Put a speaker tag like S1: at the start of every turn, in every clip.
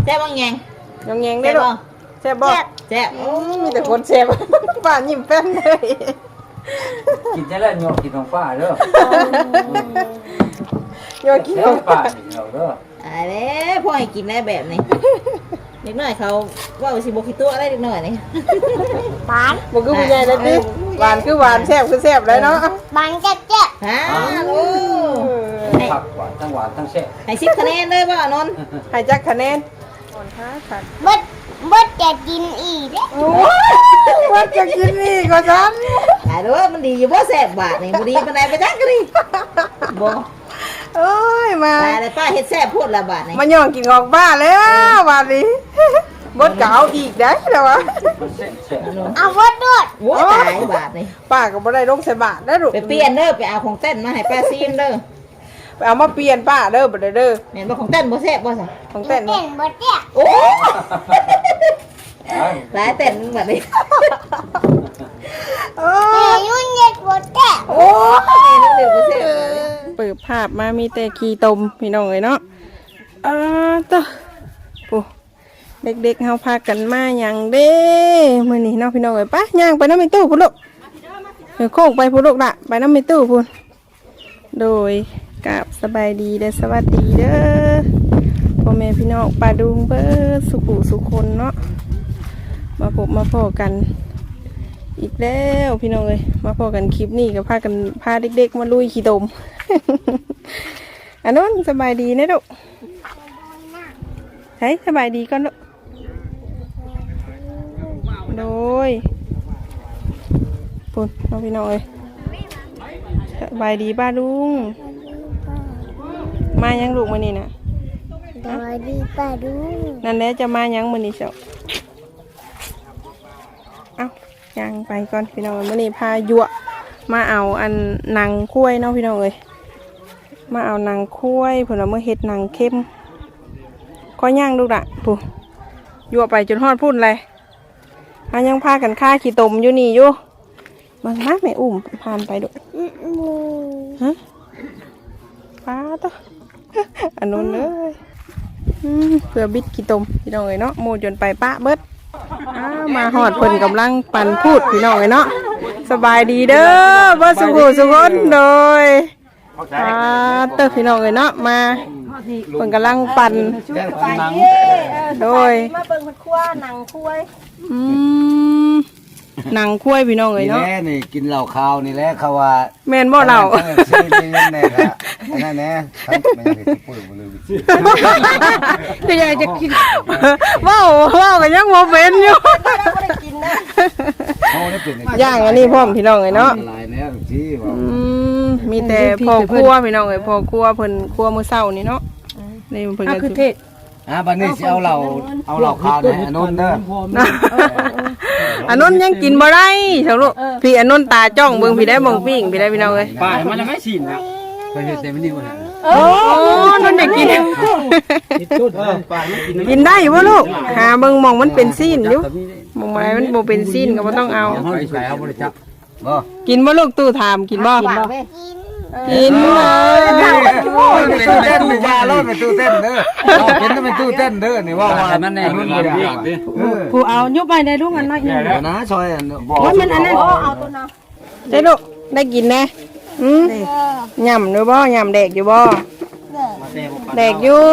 S1: แซ่บบ้างยัง
S2: ยังแยงได้ลูกแซ่บบ่
S1: แซ่บ
S2: มีแต่คนแซ่บป้ายิ้มแป้นเลย
S3: กินได้แล้วโยกกินของป้าเด้อ
S2: โยกกินของ
S3: ป้าเราเด้อ
S1: อะไรพ่อให้กินได้แบบนี้เด็กน้อยเขาว่าสิบกิตัวอะไรเด็กน้อยนี่
S2: หวานบ่คือผู้ใหญ่แล้วดิหวานคือหวานแซ่บคือแซ่บเลยเนาะ
S4: หวานแจ๊ะ
S1: ฮะโอ้
S3: ผักหวานทั้งหวานทั้งแซ่บ
S1: ให้10คะแนนเลยบ่นนท์
S2: ให้จักคะแนนอ่อนค่ะค่ะ
S4: บดจะกินอีก
S2: โอ้ว่าจะกินอีกก็ซั่น
S1: หาดูว่ามันดีอยู่บ่แซ่บบาดนี่บ่ดีปานใดไปจักก็ดีบ่
S2: โอ้ยมา
S1: ตายแล้วป้าเฮ็ดแซ่บพูดละบาดนี่
S2: มาย่องกินออกบ้านแล้วบาดนี้บดเก่าอีกได้แล้ววะ
S4: เอาบดด้วย
S1: โอ้ตายบาดนี่
S2: ป้าก็บ่ได้ลงใส่บาทได้ลูก
S1: ไปเปลี่ยนเด้อไปเอาของเต้นมาให้ป้าซีมเด้อ
S2: ไปเอามาเปลี่ยนป้าเด้อบ่ได้เด้อ
S1: แม่นบ่ของเต้นบ่แซ่บบ่ซะ
S2: ของเต้น
S4: บดเนี่ย
S1: โอ้หลายเต้นบัดนี้
S2: โอ้
S4: ยุ่งเย็ดบดเนี่ย
S1: โอ้ยนึกถึงบ่แซ่บ
S2: เปิดภาพมามีแต่ขี้ตมพี่น้องเอ้ยเนาะตะปูเด็กๆเฮาพากันมาหยังเด้มื้อนี้เนาะพี่น้องเอ้ยปะย่างไปนำในตู้พุ่นลูกโค้งไปพุ่นลูกล่ะไปนำในตู้พุ่นโดยกับสบายดีเด้อสวัสดีเด้อพ่อแม่พี่น้องป้าดุงเบิดสุขุสุคนเนาะมาพบมาพอกันอีกแล้วพี่น้องเอ้ยมาพอกันคลิปนี้ก็พากันพาเด็กๆมาลุยขี้ตมอันนั้นสบายดีนะลูกใช่สบายดีก่อนลูกโดยปุ่นน้องพี่น้องเอ้ยสบายดีป้าลุงมายังลูกมื้อนี้น่ะ
S4: สวัสดีป้าลุง
S2: นั่นแหละจะมายังมื้อนี้เจ้าเอายังไปก่อนพี่น้องมื้อนี้พายั่วมาเอาอันหนังคุ้ยเนาะพี่น้องเอ้ยมาเอาหนังคุ้ยเพิ่นว่าเมื่อเฮ็ดหนังเข้มก็ย่างลูกละปุ๊ยั่วไปจนฮอดพุ่นเลยยังพากันฆ่าขี้ตมอยู่นี่อยู่บางมากแม่อุ้มผ่านไปดูฮะป้าต่ออันนู้นเลยเพื่อบิดขี้ตมพี่น้องเอ้ยเนาะโมจนไปป้าเบิดมาหอดเพิ่นกำลังปั่นพูดพี่น้องเอ้ยเนาะสบายดีเด้อบ่สุขสุขนโดยเต้อพี่น้องเอ้ยเนาะมาเพิ่นกำลังปั่นโดยมาเบิ่งเพิ่นคั่วหนังคุ้ยหนังคุ้ยพี่น้องเอ้ยเนาะ
S3: นี่กินเหล้าขาวนี่แหละเขาว่า
S2: แม่นบ่เหล้า
S3: แน่ครับนั่นแน่ไม่ได้พูดบ่เลย
S2: จะอยากจะกินว้าวก็ยังบ่เป็นอยู่ย่างอันนี้พร้อมพี่น้องเอ้ยเนาะมีแต่พ่อครัวพี่น้องเอ้ยพ่อครัวเพิ่นครัวมื้อเช้านี่เนาะนี่เพิ่นก็คือเทศ
S3: บัดนี้สิเอาเหล้าขาวนี่อันนู้นเด้อ
S2: อันนู้นยังกินบ่ได้เจ้าลูกพี่อันนู้นตาจ้องเบิ่งพี่ได้มองปิ้งพี่ได้พี่น้องเอ้ย
S3: ป้ามันยังไม่ชินนะเคยเฮ็ดแต่มันนี่บ่ฮะ
S2: นั่นได้กินกินได้บ่ลูกหาเบิ่งมองมันเป็นซีนอยู่มองอะไรมันบ่เป็นซีนก็บ่ต้องเอากินบ่ลูกตู้ถามกินบ่กินเลย
S3: เป็นตู้เต้นไม่ว่าแล้วเป็นตู้เต้นเด้อเป็นตู้เต้นเด้อนี่ว่ามันแน่นุ่นบ่ได้
S2: ผู้เอายกไปได้ลูกอันน้อย
S3: นะซอย
S2: ว่ามันอันนั้นเอาตัวน่ะได้ลูกได้กินแน่ยำด้วยบ่ยำแดกอยู่บ่แดกอยู่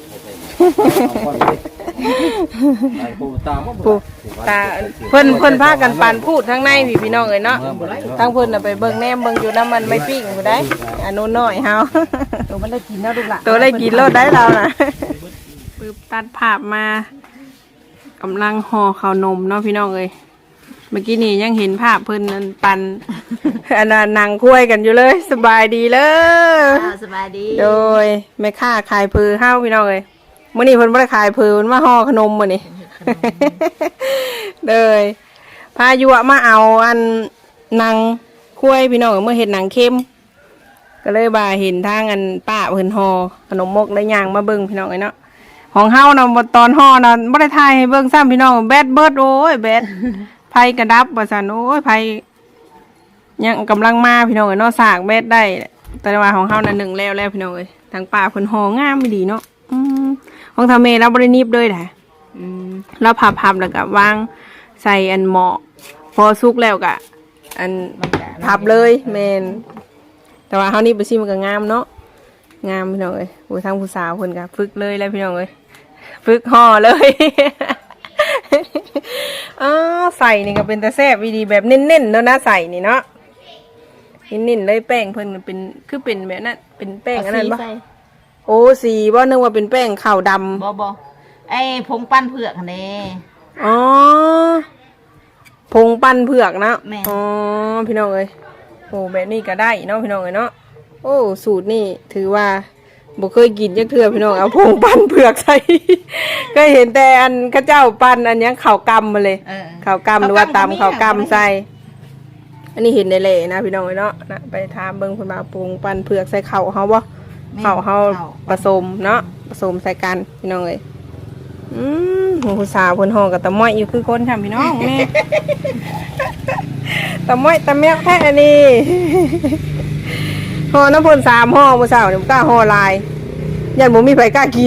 S2: ปูตาเพิ่นพากันปานพูดทั้งในพี่น้องเอ้ยเนาะทั้งเพิ่นน่ะไปเบิ่งแนมเบิ่งอยู่น้ำมันไม่ปิ้งบ่ได้อันนู้นน้อยเฮาตัวมันได้กินแล้วลูกหล่ะตัวได้กินแล้วได้เราน่ะปึ๊บตัดภาพมากำลังห่อข้าวนมเนาะพี่น้องเอ้ยเมื่อกี้นี่ยังเห็นภาพเพิ่นนั่นปันอันนั้นนั่งคุยกันอยู่เลยสบายดีเลย
S1: สบายดี
S2: โดยแม่ค้าขายพือเฮาพี่น้องเอ้ยมื้อนี้เพิ่นบ่ได้ขายพือเพิ่นมาห่อขนมมื้อนี้เลยพายุมาเอาอันนางคุ้ยพี่น้องเมื่อเห็นหนังเข้มก็เลยบ่าเห็นทางอันป้าเพิ่นห่อขนมมกได้ย่างมาเบิ่งพี่น้องเอ้ยเนาะของเฮานะตอนห่อนะบ่ได้ถ่ายให้เบิ่งซ้ำพี่น้องแบดเบิดโอ้ยแบดไผกระดับว่าซั่นโอ้ยไผยังกำลังมาพี่น้องเอ้ยเนาะสากแบดได้แต่ว่าของเฮาน่ะ1แล้วพี่น้องเอ้ยทางป้าเพิ่นห่องามดีเนาะของทำเมเราบรินิบด้วยแหละเราพับแล้วก็วางใส่อันหม้อพอสุกแล้วก็อันพับเลยแมนแต่ว่าเฮานี่ไปชิมมันก็งามเนาะงามพี่น้องเอ้ยโอ้ทางผู้สาวเพิ่นก็ฝึกเลยแล้วพี่น้องเอ้ยฝึกห่อเลยใส่นี่ก็เป็นตะแซ่บวิธีแบบเน้นๆแล้วนะใส่นี่เนาะนิ่นๆเลยแป้งเพิ่นเป็นคือเป็นแบบนั้นเป็นแป้งอันนั้นบ่โอ้สีบ่นึกว่าเป็นแป้งข้าวดำ
S1: บ่ไอ้ผงปั้นเผือกนี่
S2: อ๋อผงปั้นเผือกนะ
S1: แม่
S2: อ๋อพี่น้องเอ้ยโอ้แบบนี้ก็ได้เนาะพี่น้องเอ้ยเนาะโอ้สูตรนี่ถือว่าบ่เคยกินจักเทื่อพี่น้องเอาผงปั้นเผือกใส่ ก็เห็นแต่อันข้าเจ้าปั้นอันยังข้าวกำมาเลยข้าวกำหรือว่าตำข้าวกำใส่อันนี้เห็นในเละนะพี่น้องเอ้ยเนาะนะไปถามเบิ่งเพิ่นว่าผงปั้นเผือกใส่ข้าวเฮาบ่ข้าวเฮาผสมเนาะผสมใส่กันพี่น้องเอ้ยผู้สาวเพิ่นห้องกับตะม้อยอยู่คือคนทำพี่น้องแม่ ตะม้อยตะแมวแค่อันนี้ห่อน้ำเพิ่น3ห่อผู้สาวนี่บ่กล้าห่อหลายยันบ่มีไผกล้ากิน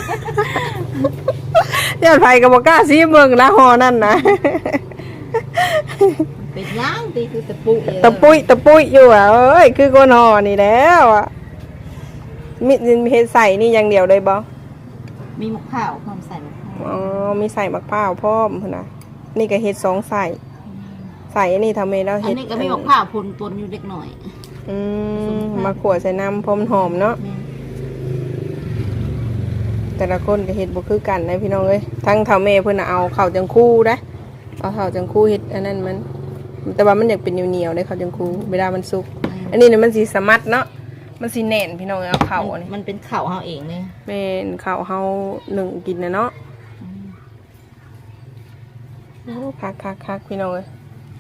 S2: ยันไผก็บ่กล้าซิเบิ่งละห่อนั่นนะ
S1: เป็นย่างตีคือตะปุย
S2: ตะปุยอยู่อ่ะเอ้ยคือคนห่อนี่แล้วอ่ะมีเฮ็ดใส่นี่อย่างเดียวเลยบ่
S1: มีมะพร้าวพร้อมใส่มะพร้าว
S2: อ๋อมีใส่มะพร้าวพร้อมพุ่นน่ะนี่ก็เฮ็ด2ใส่อันนี้ทำเองแล้ว
S1: อั
S2: เฮ็ด
S1: นนี้ก็มีมะพร้าวปนอยู่เล็กหน่อย
S2: มาขวดใส่น้ำพร้อมหอมเนาะแต่ละคนก็เฮ็ดบ่คือกันนะพี่น้องเอ้ยทั้งเฒ่าแม่เพิ่นน่ะเอาข้าวจังคู่นะเอาข้าวจังคู่เฮ็ดอันนั้นมันแต่ว่ามันอยากเป็นเหนียวๆได้ข้าวจังคู่เวลามันสุกอันนี้เนี่ยมันสิสมัดเนาะมันสิแน่นพี่น้องเอาข้าวนี่
S1: มันเป็นข้าวเฮาเองเลย
S2: แม่นข้าวเฮานึ่งกินนะเนาะโอ้คักพี่น้องเอ้ย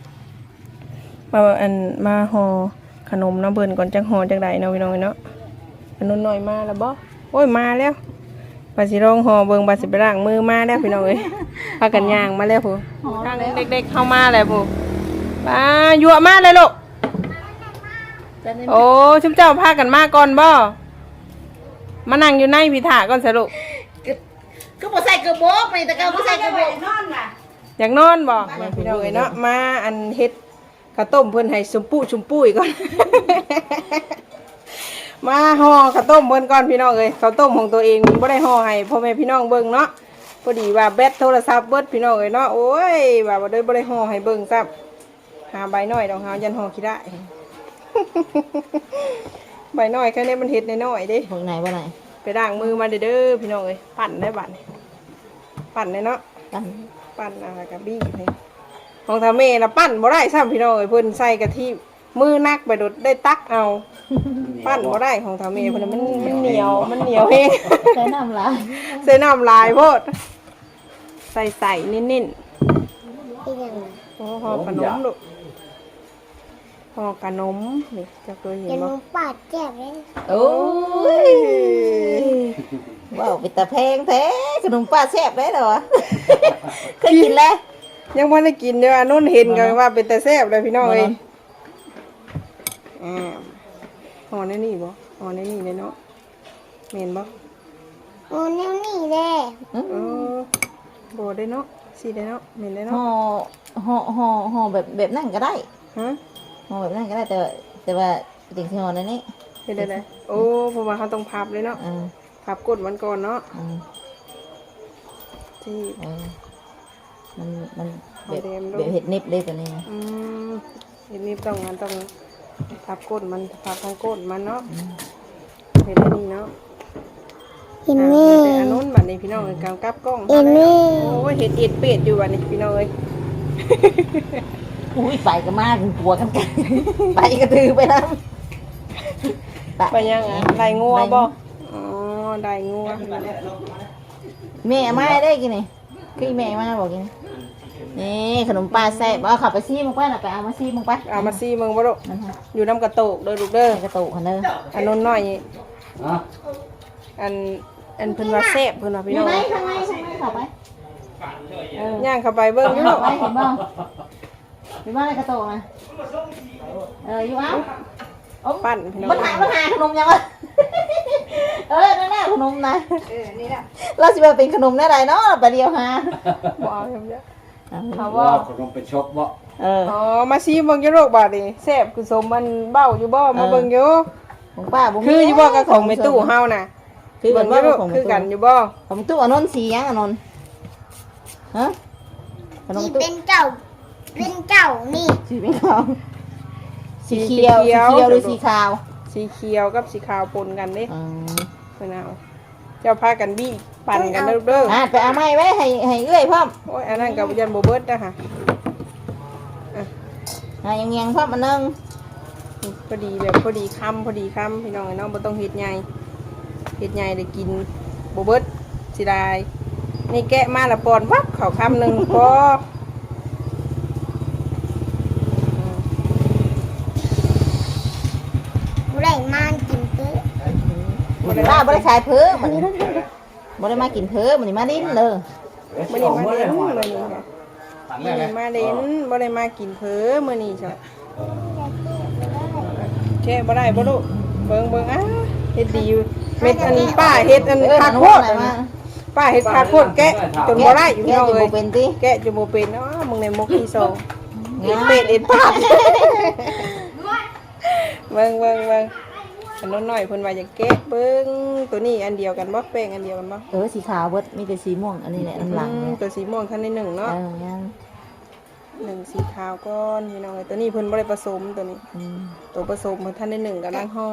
S2: มาห่อขนมน้ำเบิ่นก่อนจังห่อจังไดเนาะพี่น้องเนาะอันนู้นหน่อยมาแล้วบ่โอ้ยมาแล้วบาสิร้องห่อเบิ่งบาสิไปล้างมือมาแล้วพี่น้องเอ้ยพากันย่างมาแล้วผู้ทางเด็กๆเข้ามาแล้วผู้มายั่วมาเลยลูกโอ้ชุมเจ้าพากันมาก่อนบ่มานั่งอยู่ในพิธาก่อนสิลูก
S1: ก็บ่ใส่กระบอกนี่แต่ก็บ่ใส่กระบอกนอนล่ะ
S2: อยากนอนบ่พี่น้องเอ้ยเนาะมาอันเฮ็ดข้าวต้มเพิ่นให้ชมปุ้ยก่อน มาห่อข้าวต้มเพิ่นก่อนพี่น้องเอ้ยข้าวต้มของตัวเองบ่ได้ห่อให้พ่อแม่พี่น้องเบิ่งเนาะพอดีว่าแบตโทรศัพท์เบิดพี่น้องเอ้ยเนาะโอ้ยว่าบ่ได้ห่อให้เบิ่งซับหาใบน้อยดอกหายันห่อขี้ได้ ใบน้อยแค่นี้มันเฮ็ดน้อยๆเด้
S1: พวกไหนบ่ไหน
S2: ไปล้างมือมาเด้อพี่น้องเอ้ยปั่นได้บัดนี้ปั่นได้เนาะปั่นอะไรกับบี้ให้ของทาเมน่ะปั้นบ่ได้ซ้ำพี่น้องเอ้ยเพิ่นใส่กะทิมือนักไปโดดได้ตักเอาปั้นบ่ได้ของทาเมเพิ่นมันเหนียวเอง
S1: ใส่น้ำลาย
S2: ใส่น้ำลายโพดใส่นิ่นๆโอ้ห่อขนมลูกห่อขนมนี่จะเคยเห็นบ่
S4: ปาดแจ่มเลย
S1: โอ้ยว้าวเป็นตาแพงแท้ขนมป้าแซ่บได้เหรอเคยกินแล้ว
S2: ยังไม่ได้กินเด้อนุ่นเห็นกันว่าเป็นแต่แซ่บเลยพี่น้องเอ้ยห่อในนี่บ่ห่อในนี่เลยเนาะเห็นบ่
S4: โอ้แนวนี่แหละ
S2: โบได้เนาะสีได้เนาะเห็นได้เนาะ
S1: ห่อแบบนั่นก็ได้
S2: ฮะ
S1: ห่อแบบนั่นก็ได้แต่ว่าจริงๆห่อในนี้
S2: เห็นได้โอ้เพราะว่าเขาต้องพับเลยเนาะพับกดมันก่อนเนาะที่
S1: มันแบบเห็ดนิบเลยตัวนี้
S2: เห็ดนิบต้องพับก้นมันพับทางก้นมันเนาะเห็ดนี่เนาะ
S4: เห็นนี่
S2: อันนู้นบัดนี้พี่น้องเลยกำกับกล้องเห็นนี่โอ้ยเห็ดเป็ดอยู่บัดนี้พี่น้องเลย
S1: อุ้ยไปก็มาถึงตัวกันไปก็ถือไปแล้ว
S2: ไปยังไงได้งัวบ่อ๋อได้งัว
S1: แม่มาได้กินนี่คือแม่มาบอกกินนี่ขนมปลาแซ่บเอาขับไปซี่มึงไปน่ะไปเอามาซี่มึงไป
S2: เอามาซี่มึงบ่ลูกอยู่น้ำกระโตกเด้อลูกเด้อก
S1: ระโตกคันเด้อ
S2: อันนู้นน้อยอันเพิ่นว่าแซ่บเพิ่นว่าพี่น้อง
S1: ทำไมเข้าไป
S2: ย่างเข้าไปเบิ่งอยู่ลูก
S1: เห็นบ่มีบ้านในกระโตกนะอยู่อ้าว
S2: ปั้นพี่น้อง
S1: มาถ่ายขนมยังวะนั่นแหละขนมนะ
S2: นี่แหละ
S1: เราสิว่าเป็นขนมได้ไรเนาะไปเดียวหา
S2: บ่เอาอย่างเดียว
S3: เขาว่าเขาลงไปชกบ่
S2: อ๋อมาซีเบิ่งอยู่โรคบาดนี่แซ่บคือสมมันเบ้าอยู่บ่มาเบิ่งอยู่
S1: ของป้าบ่มี
S2: คืออยู่บ่กับของในตู้เฮาน่ะ
S1: คือเหมื
S2: เบิ่
S1: อน
S2: งอยู่
S1: ว่าของ
S2: คือกันอยู่บ่
S1: ของตู้อนนท์สียังอนนท์ฮะขนม
S4: ที่
S1: ตู้
S4: เป็นเจ้านี่
S1: สีเป็นขาวสีเขียวหรือสีขาว
S2: สีเขียวกับสีขาวปนกันเด้
S1: อืม
S2: เพิ่นเอาเจ้าพากันบี้ปั่นกันเด้อ
S1: ไปเอาไม้ไว้ให้เอื้อยพร้อม
S2: โอ้ยอันนั้นก็ยันบ่เบิดนะคะ
S1: ยังเงียงพร้อมอันนึง
S2: พอดีแบบพอดีคำพี่น้องไอ้น้องบ่ต้องเฮ็ดใหญ่ได้กินบ่เบิดสิได้นี่แกะมาละปอนวับเข้าคำหนึงพอ
S4: บ่ได้มากินตื้อ
S1: ป้าบ่ได้ขายเพิ่มมันบ่ได้มากินเพิ่มมันมาดิ้นเลย
S2: มื้อนี้มาเล่นมื้อนี้ค่ะมื้อนี้มาเล่นบ่ได้มากินเผลอมื้อนี้จ้ะแค่บ่ได้บ่ลูกเบิ่งเฮ็ดดีอยู่เม็ดอันป้าเฮ็ดอันคาโคตรป้าเฮ็ดคาโคตรแกะจนบ่ได้อยู่พี่น้องเอ้ย
S1: เป็นติ
S2: แกะจนบ่เป็นเนาะมึงในมกที่สองเฮ็ดเป็ดเฮ็ดปาดเบิ่งอันน้อยๆเพิ่นว่าจะแกะเบิ่งตัวนี้อันเดียวกันบ่แป้งอันเดียวกันบ่
S1: สีขาวเบิดมีแต่สีม่วงอันนี้แหละน้ำหลัง
S2: ตัวสีม่วงท่านในหนึ่งเนาะ
S1: ยัง
S2: หนึ่งสีขาวก้อนพี่น้องเอ้ยตัวนี้เพิ่นบ่ได้ผสมตัวนี้ ตัวผสมเพิ่นท่านในหนึ่งกำลังห่อ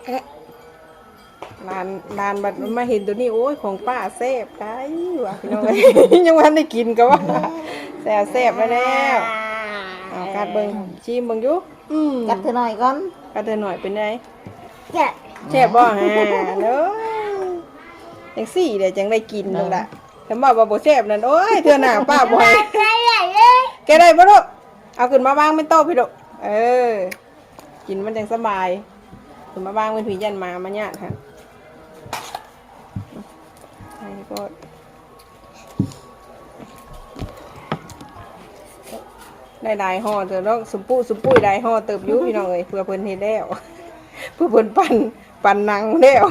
S2: ลานบัดมาเห็นตัวนี้โอ้ยของป้าแซ่บได้ว่ะพี่น้องเอ้ย ยังบ่ทันได้กินก็ว่าแซ่บไปแล้วเอากัดเบิ่งชิมเบิ่งอยู่
S1: กัดเธอหน่อยก่อน
S2: กัดเธอหน่อยเป็นไง
S4: จะ
S2: แซ่บบ่ฮะเด้อจังซี่เดี๋ยวจังได้กินนั่นล่ะแต่ว่าบ่แซ่บนั่นโอ้ยเทื่อหน้าป้าบ่ให้
S4: ใส่ใหญ่เลย
S2: แกได้บ่ลูกเอาขึ้นมาวางเป็นโต๊ะพี่ลูกกินมันจังสบายขึ้นมาวางเป็นผียันมามาญาติค่ะให้ก็ได้หลายห่อเถอะเนาะสุมปุ้ยได้ห่อเติบอยู่พี่น้องเอ้ยเพื่อเพิ่นเฮ็ดแล้ว เพื่อเพิ่นปั่นหนังแล้ว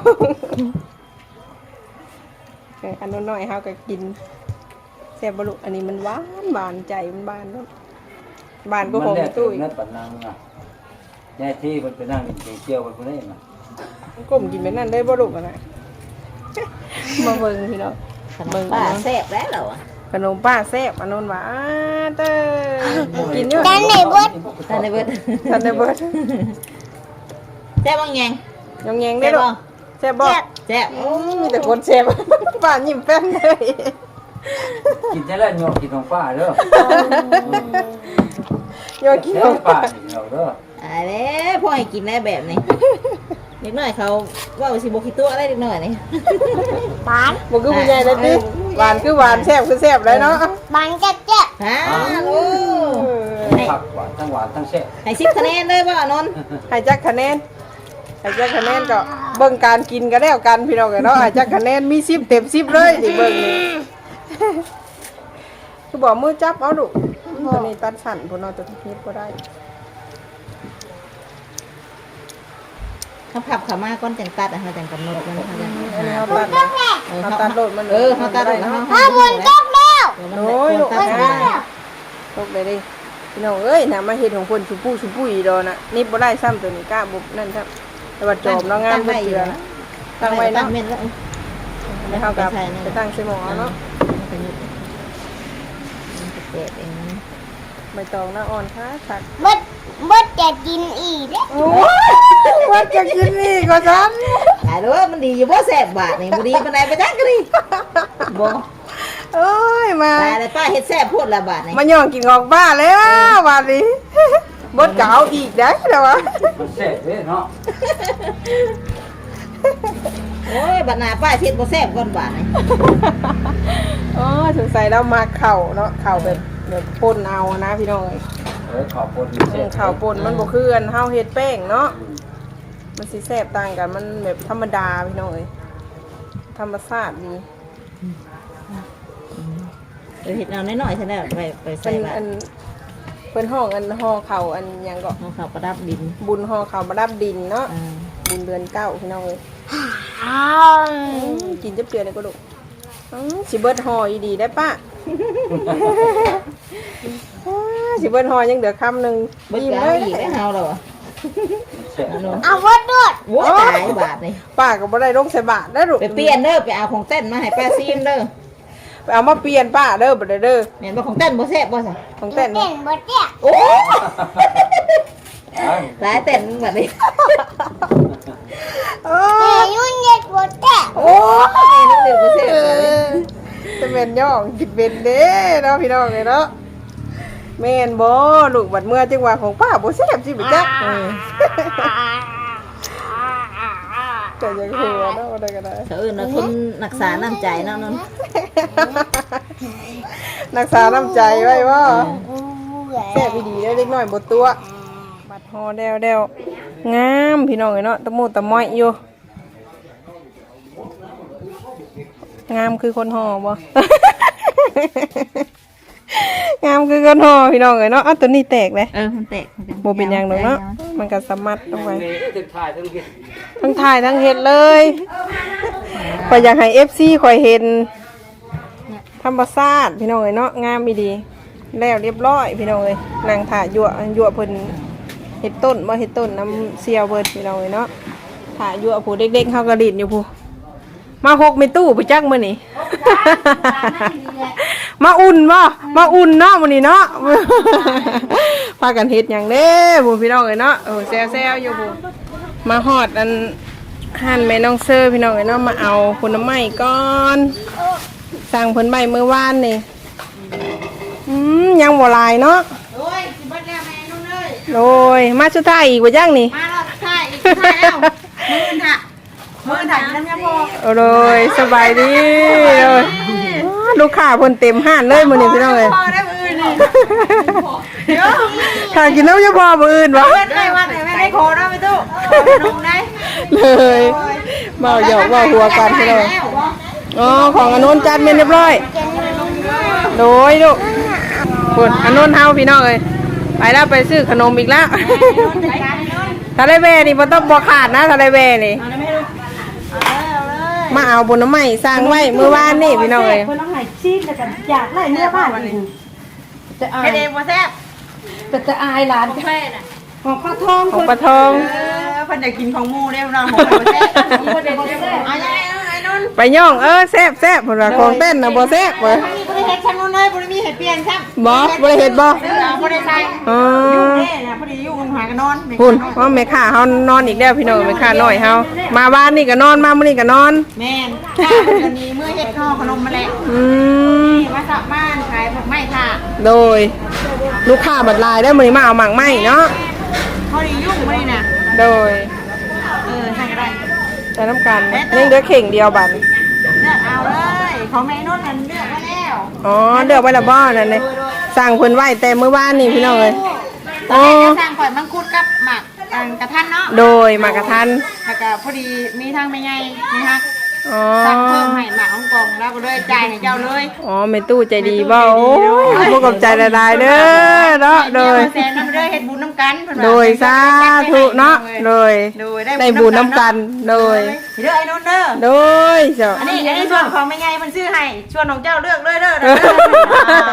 S2: อันน้อยๆเฮาก็กินแซ่บบ่ลูกอันนี้มันหวานใจมันบานเนาะบานก็ของตุ้ย
S3: นั่นปนังอ่ะยายที่มันไปนั่งกินเจียวมันคนนี้มา
S2: ก้มกินไปนั่นได้บ่ลูกอะนะ มาเบิ่งพี่น้อง
S1: ขนมป้าแซ่บแล้วเหรอ
S2: ขนมป้าแซ่บอันนู้นว่าเต้กินอยู่
S4: กันไหนบด
S1: ท่านได้เบิด
S2: ทันได้เบิด
S1: แซ่บบ้างยัง
S2: ยังแยงได้ลูกแซ่บบ่
S1: แซ่บ
S2: มีแต่คนแซ่บ ป้ายิ้มแป้นเลย
S3: กินได้แล้วโยกกินของป้าเด้อ
S2: โยกกิน
S3: เด้อป้ากินเราเด้อ
S1: อะไรพ่อให้กินได้แบบนี้เด็กน้อยเขาว่าสิบกิตัวอะไรเด็กน้อยนี่
S4: บาน
S2: บ่คือผู้ใหญ่เลยติหวานคือหวานแซ่บคือแซ่บเลยเนาะ
S4: บานจะเจ็บ
S1: ฮะโอ้
S3: ผักหวานทั้งแซ่บ
S1: ให้10คะแนนเลยบ่อนนท์
S2: ให้จักคะแนนก็เบิ่งการกินก็แล้วกันพี่น้องเนาะให้จักคะแนนมี10เต็ม10เลยสิเบิ่งนี่ คือบอกมือจับเอาดุตัวนี้ตัดสั่นพุ่นเนาะตัวนี้บ่ได้
S1: เขาขับเขามาก้อนจังตัดเขาจังกำหนดมันเขาจัง
S2: อันนี้เฮาตัดเฮาตัดโลดมัน
S1: เขาตัดแล้ว
S4: ถ้าบนตกแล้ว
S2: โอ้ยลูกตกเลยดิพี่น้องเอ้ยน่ะมาเฮ็ดของเพิ่นชุปุ้ยดอน่ะนี่บ่ได้ซ้ำตัวนี้กล้าบ่นั่นครับแต่ว่าจอมเนาะงามเพิ่นเจือนะตั้งไว้เนาะ
S1: เม็ดแล้ว
S2: ไม่เฮากับไปตั้งใส่หม้อเนาะ
S1: เจ็บเอง
S2: ใบตองน่ะอ่อนค่ะสัก
S4: บดจะกินอีกเด้
S2: โอ้ยว่าจะกินนี่ก็ซั่น
S1: หายด้วยมันดีอยู่บ่แซ่บบาทนี่บ่ดีปานใดไปจักก็ดีบ่
S2: โอ้ยมา
S1: ตายแล้วป้าเฮ็ดแซ่บพูดละบาทนี่
S2: มาย่องกินออกบ้านแล้วบาดนี้บดก็เอาอีกได้แล้ววะ
S3: มันแซ่บเด้เนาะ
S1: โอ้ยบัดหน้าป้าเฮ็ดบ่แซ่บก่อนบาทนี่
S2: อ๋อสงสัยเรามาเข่าเนาะเข่าแบบป่นเอานะพี่น้อง
S3: ขอบคุณแซ่บ
S2: เข่าป่นมันบ่คืออันเฮาเฮ็ดแป้งเนาะมันสิแซ่บต่างกันมันแบบธรรมดาพี่น้องเอ้ยธรรมชาติดี
S1: เฮ็ดเอาน้อยๆซะแล้วไปใส่
S2: เป็น
S1: บา
S2: อั
S1: ท
S2: นเป็นห้องอันห่อเข่าอันหยังก็
S1: เอาข้าวประดับดิน
S2: บุญห่อเข่ามาดับดินเนาะ
S1: อ่า
S2: บุญเดือนเก้าพี่น้องเอ้ยกินจับเจือเลยก็ลูกสิเบิดห่ออีดีได้ป้าสิเบิดห่อยังเหลือคำหนึ่ง
S1: เบิด
S2: ยิ้ม
S1: เอา
S2: เลย
S1: อีกได้เฮาแล้วบ่
S4: เอาวัดด้วย
S1: โว้ตายบาทนี่
S2: ป้าก็บ่ได้ลงใส่บาทได้ลูก
S1: ไปเปลี่ยนเด้อไปเอาของเต้นมาให้ป้าซีมเด้อ
S2: ไปเอามาเปลี่ยนป้าเด้อบ่ได้เด้อ
S1: แม่นบ่ของเต้นบ่แซ่บบ่ซะ
S2: ของเต้น
S4: เต้นบดเจ๊ะ
S1: โอ้หลายเต้นแบบนี้
S2: โอ้
S4: เต้นยุ่งเย็ดบดเจ๊ะ
S1: โอ้ยนึกถึงบ่แซ่บเลย
S2: จะเป็นย่องกินเป็นเด้เนาะพี่น้องเอ้ยเนาะแม่นบ่ลูกบัดเมื่อจังหวะของป้าบ่แซ่บสิบ่จ๊ะแต่ยังหัวเนาะอะไรก็ได้
S1: เขาเอิ้นว่าคนรักษาน้ำใจเนาะนั่น
S2: รักษาน้ำใจไว้บ่แซ่บดีได้เล็กน้อยบ่ตัวบัดฮอแดวงามพี่น้องเอ้ยเนาะตะมูตะม้อยอยู่งามคือคนห่อบ่ งามคือคนห่อพี่น้องเอ้ยเนาะตัวนี้แตกเลย
S1: มันแตก
S2: บ่เป็นหยังดอกเนาะมันก็สมัดลงไป
S3: ถึงถ่ายทั้งกิน
S2: ทั้งถ่ายทั้งเฮ็ดเลยข่อยอยากให้ FC ข่อยเห็นธรรมชาติพี่น้องเอ้ยเนาะงามอีดีแล้วเรียบร้อยพี่น้องเอ้ยนางถ่ายั่วเพิ่นเฮ็ดต้นบ่เฮ็ดต้นน้ำเสียวเบิดพี่น้องเอ้ยเนาะถ่ายั่วผู้เด็กๆเฮาก็ดิ้นอยู่ผู้มาหกในตู้ไปจักมื้อนี้ มาอุ่นบ่มาอุ่นเนาะมื้อนี้เนาะ พากันเฮ็ดหยังเด้ผู้พี่น้องเอ้ยเนาะแซวๆอยู่ผู้มาฮอดอันหั่นแม่น้องเซอร์พี่น้องเอ้ยเนาะมาเอาผลไม้ก่อนสั่งเพิ่นใบเมื่อวานนี่ยังบ่หลายเนาะ
S1: โอ้ยสิเบิดแล้วแม่นุ่นเอ้ย
S2: โอ้ยมาสุดท้ายอีกบ่จังนี่
S1: มารอบสุดท้ายอีกสุดท้ายแล้วมื้อถ่ายน้ำยาพอ
S2: โอ้ยสบายดีเลยลูกค้าเพิ่นเต็มห้านเลยมื้อนี้พี่น้องเอ้ย
S1: พอได้มื้อนี่
S2: ถ้ากินน้ำยาพอมื้ออื่นบ่
S1: เพิ่นได้ว่าแต่แม่ได้โคเนาะไปตู้นมได้
S2: เลยเบาหยอกเบาหัวกันพี่น้องอ๋อของอนนท์จัดเมนเรียบร้อยโดยลูกคุณอนนท์เฮาพี่น้องเอ้ยไปแล้วไปซื้อขนมอีกแล้วทะเลเวนี่มันต้องบ่ขาดนะทะเลเวนี่มาเอาบนน้ำไม้สร้างไว้เมื่อวานนี่พี่น้องเอ้ย
S5: คนต้องหายซีดแต่กันอยากไล่เนื้อบ้านอีกจะอาย
S1: เฮ็ดเองบ่แซ่บ
S5: แต่จะอายหลานของข้าวทอง
S2: ของปลาทอง
S1: เพิ่นอยากกินของหมู่เด้เนาะของบ่แซ่บเอายังไงไอ้นุ่น
S2: ไปย่องแซ่บแซ่บผลว่าของเต้นนะบ่แซ่บเว้ย
S1: บ่ได้เฮ็ดชั้นนุ่นเลยบ่ได้มีเฮ็ดเปลี่ยนซ้ํ
S2: บ่ได้เฮ็ดบ่
S1: บ่ได้ใส่
S2: อ๋อ
S1: เด้น่ะพอดีอยู่หากันนอน
S2: พุ่นว่าแม่ค้าเฮานอนอีกแล้วพี่น้องแม่ค้าน้อยเฮามาบ้านนี่ก็นอนมามื้อนี้ก็นอน
S1: แม่นข้าเพิ่นนี้มื้อเฮ็ดข้าวขนมมาแล้ว มาสับบ้านขายผักไม้ค่ะ
S2: โดยลูกค้าบัดลายได้มื้อนี้มาเอาหมากไม้เนาะ
S1: พอดียุ่งไม่น่ะ
S2: โดย
S1: ใช่ก็ได้
S2: ใช้น้ำกันนี่เหลือเข่งเดียวบัด
S1: เลือกเอาเลยของแม่นุ่นมันเลือกมาแล้ว
S2: อ๋อเลือกไว้และบ่นั่นนี่สั่งเพิ่นไว้แต่มื้อวานนี่พี่น้องเอ้ย
S1: ตอนแรกจะสั่งข่อยมังคุดกับหมักกระทันเนาะ
S2: โดยหมากกระทัน
S1: แล้วก็พอดีมีทางไม่ใหญ่มีฮัก
S2: อ๋อ
S1: สั่งเพิ่มให้หมักของกล่องแล้วก็เลยจ่ายให้เจ้าเลย
S2: อ๋อแม่ตู้ใจดีบ่โอ้ยบ่กับใจละลายเด้อเนาะโดย
S1: แซนน้ำเด้อเฮ็ดบุญน้ำกัน
S2: โดยสาธุเนาะโดย
S1: โดย
S2: ได้บุญน้ำกันโดย
S1: เด้อไอ้นุ่นเด้อ
S2: โดยเจ้า
S1: อันนี้ส่วนของไม่ใหญ่มันซื้อให้ชวนของเจ้าเลือกเลยเด้อเด้อ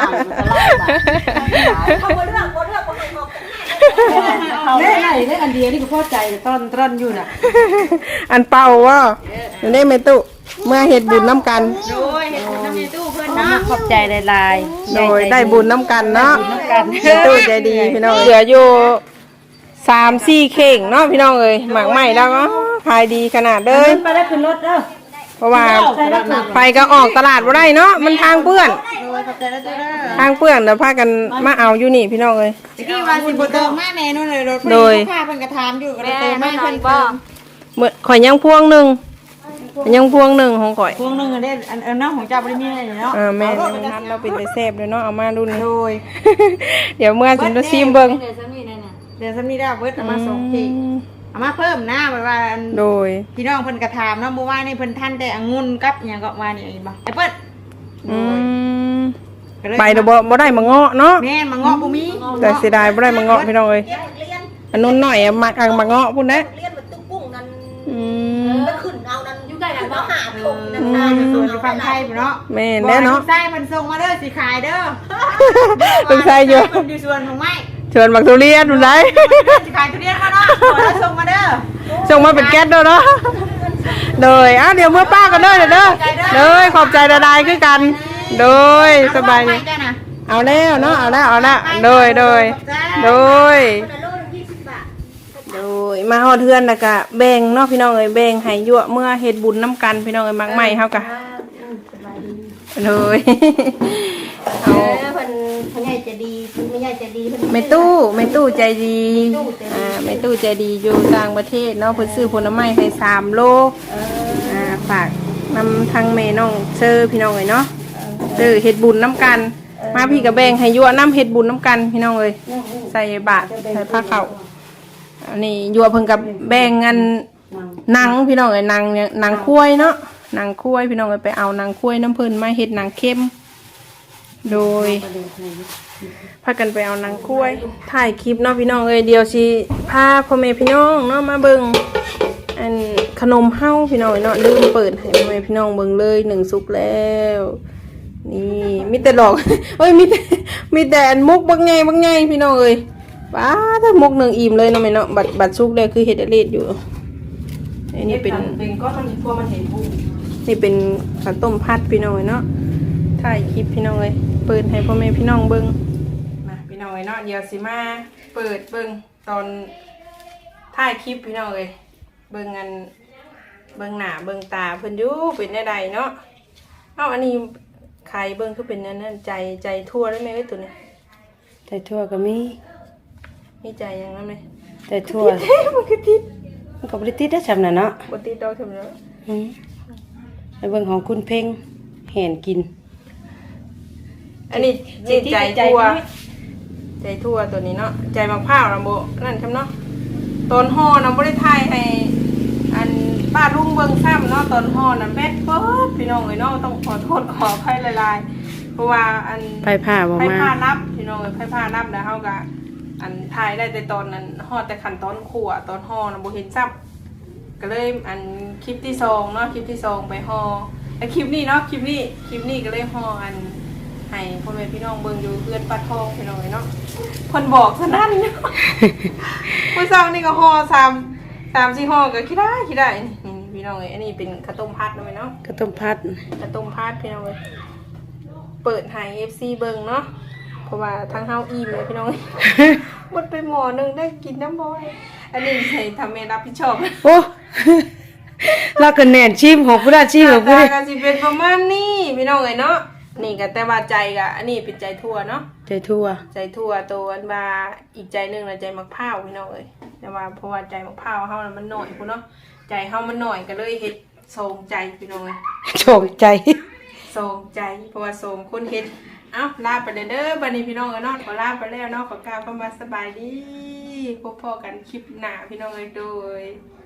S5: ได้ไหนได้อันเดียวนี่ก็พอใจตอนอยู่น่ะ
S2: อันเป่าว่าอยู่ได้แม่ตู้เมื่อเฮ็ดบุญน้ำกัน
S1: โดยเฮ็ดบุญน้ำในตู้เพิ่นเนาะ
S5: ขอบใจลาย
S2: โดยได้บุญน้ำกันเนาะ
S5: กัน
S2: แม่ตู้ใจดีพี่น้องเหลืออยู่3-4เข่งเนาะพี่น้องเอ้ยหมากใหม่แล้วก็ขายดีขนาดเด้อ
S5: ไปได้ขึ้นรถเด้อ
S2: เพราะว่าไปก็ออกตลาดบ่ได้เนาะมันทางเปื้อน
S1: โดยขอบใจแล้วเด้อ
S2: ทางเปื้อนเดี๋ยวพากันมาเอาอยู่นี่พี่น้องเอ้ย
S1: ตะกี้ว่าสิบ่เติมมาแม่นู่นเลยรถ
S2: โดย
S1: ค่าเพิ่นก็ถามอยู่ก็เลยเติมมาเพิ่นเติม
S2: เมื่อข่อยยังพวงหนึงของข่อย
S1: พวงนึงอันนี้อันนั้นของเจ้าบ่ได้มีอะไรเนาะ
S2: แม่นัดเราเป็นไปแซ่บเลยเนาะเอามาดูนี่
S1: โดย
S2: เดี๋ยวเมื่อสิมาซิมเบิ่ง
S1: เดี๋ยวซ้ํนี้ได้เบิดเอามาส่งทีเอามาเพิ่มนะแบบว่า
S2: โดย
S1: พี่น้องเพิ่นก็ถามเนาะเมื่อวานนี่เพิ่นทันแต่องุ่นกับหยังก็ว่านี่อีบ่ไอ้เปิ้ล
S2: อืม
S1: ก็เลย
S2: ไปเดี๋ยวบ่ได้มาเงาะเนาะ
S1: แม่นมาเงาะบ่มี
S2: แต่เสียดายบ่ได้มาเงาะพี่น้องเอ้ยอันนู้นหน่อยอะมักอังมาเงาะพุ่นนะ
S6: เรียนมันตุ้งปุ้งนั่น
S2: อืม
S6: ไปขึ้นเอานั่นอยู่ใกล้
S1: เขาหาถุงน้ำตาลส่วนอยู่ฝั่งไทยเนาะ
S2: แม่นแล้วเนาะ
S1: ใส่มันส่งมาเด้อสิขายเด้อ
S2: ลูกชายอยู่
S1: มันอยู่ส่วนของไม้
S2: ชวนบักทุเรียนนู่นไร
S1: สิขายทุเรียนมาเนาะขอแล้วส่งมาเด้อ
S2: ส่งมาเป็นแก๊สเด้อเนาะโดยเดี๋ยวเมื่อป้ากันเด้อเด้อโดยขอบใจดาๆคือกัน โดยสบายดีเอาแล้วเนาะเอาแล้วโดยโดยมาฮอดเทือนแล้วก็แบ่งเนาะพี่น้องเอ้ยแบ่งให้ยั่วเมื่อเฮ็ดบุญน้ำกันพี่น้องเอ้ยมักใหม่เฮากะโดยเอา
S5: เพิ่นใหญ่จะดีไม่ใหญ่จะดีเพิ่น
S2: แม่ตู้ใจดีแม่ตู้ใจดีอยู่ต่างประเทศเนาะเพิ่นซื้อผลไม้ให้3 โลฝากนำทางแม่น้องเซอร์พี่น้องเอ้ยเนาะเฮ็ดบุญน้ำกันมาพี่กับแบ่งให้ยั่วน้ำเฮ็ดบุญน้ำกันพี่น้องเอ้ยใส่บาตรใส่ผ้าขาวอันนี้ยั่วเพิ่นกับแบ่งเงินหนังพี่น้องเอ้ยหนังคุ้ยเนาะหนังคุ้ยพี่น้องเอ้ยไปเอาหนังคุ้ยน้ำเพิ่นมาเฮ็ดหนังเข้มโดยพากันไปเอาหนังคุ้ยถ่ายคลิปเนาะพี่น้องเอ้ยเดี๋ยวสิพาพ่อแม่พี่น้องเนาะมาเบิ่งอันขนมเฮาพี่น้องเนาะลืมเปิดให้พ่อแม่พี่น้องเบิ่งเลย1 สุกแล้วนี่มีแต่ดอก เอ้ยมีแต่อันมุกบักไงพี่น้องเอ้ยป้าถ้ามุก1 อิ่มเลยเนาะแม่เนาะบัดสุกแล้วคือเฮ็ดเลดอยู่อันนี้เป็นก็มันพวมันเห็นบุนี่เป็นข้าวต้มผัดพี่น้องเนาะถ่ายคลิปพี่น้องเอ้ยเปิดให้พ่อแม่พี่น้องเบิ่งมาพี่น้องเอ้ยเนาะเดี๋ยวสิมาเปิดเบิ่งตอนถ่ายคลิปพี่น้องเอ้ยเบิ่งอันเบิ่งหน้าเบิ่งตาเพิ่นอยู่เป็นได้ใดเนาะเอ้าอันนี้ใครเบิ่งคือเป็นนั่นใจทั่วได้ไหมเอ้ยตัวนี้
S5: แต่ทั่วก็มี
S2: ใจยังนั้นไหม
S5: แต่ทั่ว
S2: มันคือติด
S5: มันก็บ่ได้ติดได้ซำน่ะเนาะ
S2: บ่ติดดอกเท่านั้น
S5: ไปเบิ่งของคุณเพ่งแห่นกิน
S2: อันนี้ใจทั่วตัวนี้เนาะใจมะพร้าวนะโบนั่นใช่เนาะตอนห่อนะบ่ได้ถ่ายให้อันป้าลุงเบิ่งซ้ำเนาะตอนห่อนะแบดเบิดพี่น้องเอ้ยเนาะต้องขอโทษขออภัยหลายๆเพราะว่าอัน
S5: ไผ่ผ้าบ่
S2: ไผ่
S5: มา
S2: ผ้านับพี่น้องเอ้ยไผ่ผ้านับแล้วเฮาก็อันถ่ายได้แต่ตอนนั้นห่อแต่ขั้นตอนคั่วตอนห่อนะบ่เห็นซ้ำก็เลยอันคลิปที่2เนาะคลิปที่2ไปห่อแล้วคลิปนี้เนาะคลิปนี้ก็เลยห่ออันให้พ่อแม่พี่น้องเบิ่งอยู่เพื่อนปลาทองพี่น้องเนาะเพิ่นบอกซะนั่น เนาะมื้อเช้านี่ก็ห่อ3-4ห่อก็คิดได้นี่พี่น้องเอ้ยอันนี้เป็นข้าวต้มผัดเนาะแม่เนาะ
S5: ก็ต้มผัด
S2: ข้าวต้มผัดพี่น้องเอ้ยเปิดให้ FC เบิ่งเนาะเพราะว่าทั้งเฮาอิ่มเลยพี่น้องเอ้ย หมดไปหม้อนึงได้กินน้ำบ่อยอันนี้ให้ทำแม่รับผิดชอบ
S5: โอ้ เราก็แน่นชิมของผู้ได้ชิมของผู้
S2: ตา
S5: ได้
S2: ก็สิเป็นประมาณนี้พี่น้องเอ้ยเนาะนี่ก็แต่ว่าใจก็อันนี้เป็นใจทั่วเนาะ
S5: ใจทั่ว
S2: ใจทั่วตัวอันว่าอีกใจหนึงน่ะใจมักพร้าวพี่น้องเอ้ยแต่ว่าเพราะว่าใจมักพร้าวเฮาน่ะมันน้อยพุ่นเนาะใจเฮามันน้อยก็เลยเฮ็ดโสมใจพี่น้องเอ้ย
S5: โชคใจ
S2: โสมใจเพราะว่าโสมคนเฮ็ดเอ้าลาไปเด้อบัดนี้พี่น้องเอ้ยเนาะขอลาไปแล้วเนาะขอกล่าวคำว่าสบายดีพบกันคลิปหน้าพี่น้องเอ้ยโดย